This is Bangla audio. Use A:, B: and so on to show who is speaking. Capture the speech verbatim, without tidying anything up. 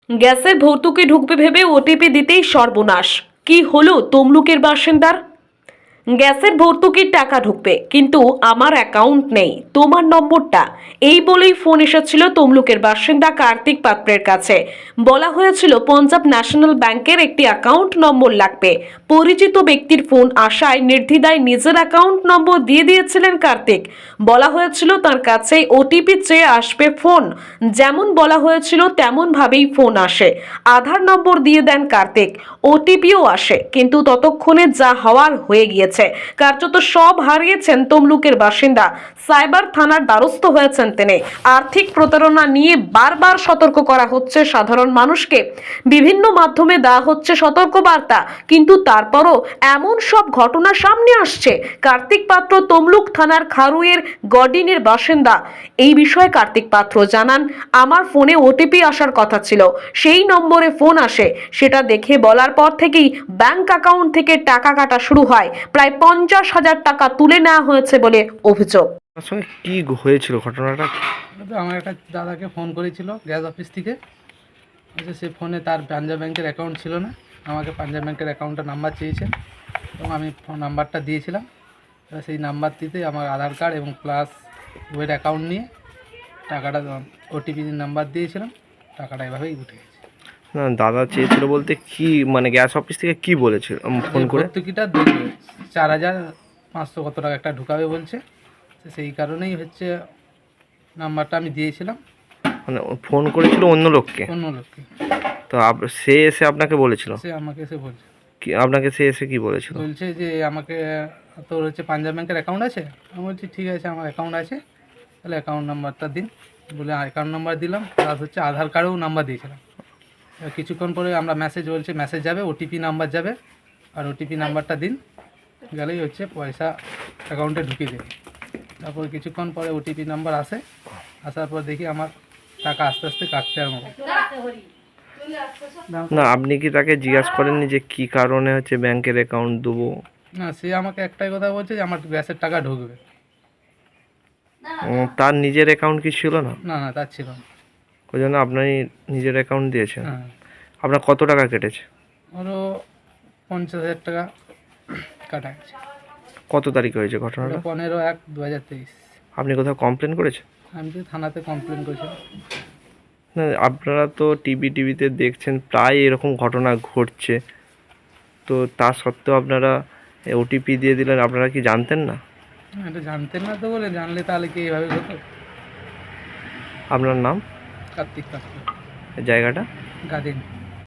A: গ্যাসের ভর্তুকি ঢুকবে ভেবে ওটিপি দিতেই সর্বনাশ। কি হলো তমলুকের বাসিন্দার? গ্যাসের ভর্তুকির টাকা ঢুকবে, কিন্তু আমার অ্যাকাউন্ট নেই, তোমার নম্বরটা, এই বলেই ফোন এসেছিল তমলুকের বাসিন্দা কার্তিক পাত্রের কাছে। বলা হয়েছিল পঞ্জাব ন্যাশনাল ব্যাংকের একটি অ্যাকাউন্ট নম্বর লাগবে। পরিচিত ব্যক্তির ফোন আসায় নির্দ্বিধায় নিজের অ্যাকাউন্ট নম্বর দিয়ে দিয়েছিলেন কার্তিক। বলা হয়েছিল তার কাছে ওটিপি চেয়ে আসবে ফোন। যেমন বলা হয়েছিল তেমন ভাবেই ফোন আসে। আধার নম্বর দিয়ে দেন কার্তিক, ওটিপিও আসে, কিন্তু ততক্ষণে যা হওয়ার হয়ে গিয়েছে। কার্যত সব হারিয়েছেন তমলুকের বাসিন্দা। সাইবার থানার দ্বারস্থ হয়েছেন তিনি। আর্থিক প্রতারণা নিয়ে বারবার সতর্ক করা হচ্ছে সাধারণ মানুষকে, বিভিন্ন মাধ্যমে দেওয়া হচ্ছে সতর্ক বার্তা, কিন্তু তারপরও এমন সব ঘটনা সামনে আসছে। কার্তিক পাত্র তমলুক থানার খারুয়ের গডিনের বাসিন্দা। এই বিষয়ে কার্তিক পাত্র জানান, আমার ফোনে ওটিপি আসার কথা ছিল, সেই নম্বরে ফোন আসে, সেটা দেখে বলার পর থেকেই ব্যাংক অ্যাকাউন্ট থেকে টাকা কাটা শুরু হয়। প্রায় পঞ্চাশ হাজার টাকা তুলে নেওয়া হয়েছে বলে অভিযোগ।
B: আপনার সঙ্গে কি হয়েছিল ঘটনাটা?
C: তো আমার একটা দাদাকে ফোন করেছিল গ্যাস অফিস থেকে। আচ্ছা, সে ফোনে তার পাঞ্জাব ব্যাংকের অ্যাকাউন্ট ছিল না, আমাকে পাঞ্জাব ব্যাংকের অ্যাকাউন্টের নাম্বার চেয়েছে এবং আমি ফোন নাম্বারটা দিয়েছিলাম। এবার সেই নাম্বারটিতে আমার আধার কার্ড এবং প্লাস ওয়েট অ্যাকাউন্ট নিয়ে টাকাটা ওটিপি নাম্বার দিয়েছিলাম, টাকাটা এভাবেই উঠে গেছে।
B: না, দাদা চেয়েছিল বলতে কি, মানে গ্যাস অফিস থেকে কি বলেছিল ফোন করে?
C: ভর্তুকিটা দেখবে চার হাজার পাঁচশো কত টাকা একটা ঢুকাবে বলছে, তো সেই কারণেই হচ্ছে নাম্বারটা আমি দিয়েছিলাম।
B: মানে ফোন করেছিল অন্য লোককে?
C: অন্য লোককে।
B: তো আপ- সে এসে আপনাকে বলেছিল
C: সে আমাকে এসে বলছে
B: কি, আপনাকে সে এসে কি বলেছিল?
C: বলছে যে আমাকে তোর হচ্ছে পাঞ্জাব ব্যাংকের অ্যাকাউন্ট আছে। আমি বলছি ঠিক আছে, আমার অ্যাকাউন্ট আছে, তাহলে অ্যাকাউন্ট নাম্বারটা দিন। বলে অ্যাকাউন্ট নাম্বার দিলাম, প্লাস হচ্ছে আধার কার্ডেও নাম্বার দিয়েছিলাম। এবার কিছুক্ষণ পরে আমরা মেসেজ বলছে মেসেজ যাবে, ওটিপি নাম্বার যাবে, আর ওটিপি নাম্বারটা দিন, গেলেই হচ্ছে পয়সা অ্যাকাউন্টে ঢুকিয়ে দেবে। তারপর কিছুক্ষণ পরে ওটিপি নাম্বার আসে, আসার পর দেখি আমার টাকা আস্তে আস্তে কাটতে আরম্ভ করে।
B: না, আপনি কি তাকে জিজ্ঞাসা করেননি যে কি কারণে হচ্ছে ব্যাংকের অ্যাকাউন্ট দেবো?
C: না, সে আমাকে একটাই কথা বলছে যে আমার গ্যাসের টাকা ঢুকবে।
B: উম, তার নিজের অ্যাকাউন্ট কি ছিল না?
C: না না, তার ছিল না।
B: ওই জন্য আপনি নিজের অ্যাকাউন্ট দিয়েছেন।
C: হ্যাঁ,
B: আপনার কত টাকা কেটেছে?
C: ওরও পঞ্চাশ হাজার টাকা কাটা গেছে।
B: কত তারিখে হয়েছে ঘটনাটা?
C: পনেরো এক দু হাজার তেইশ।
B: আপনি কোথাও কমপ্লেন করেছেন?
C: আমি তো থানাতে কমপ্লেন করেছিলাম।
B: না, আপনারা তো টিভি টিভিতে দেখছেন প্রায় এরকম ঘটনা ঘটছে, তো তা সত্ত্বেও আপনারা ওটিপি দিয়ে দিলেন, আপনারা কি জানতেন না?
C: এটা জানতেন না তো, বলে জানলে তাহলে কি এইভাবে হতো?
B: আপনার নাম,
C: কার্তিক পাত্র,
B: জায়গাটা?
C: গাদিন।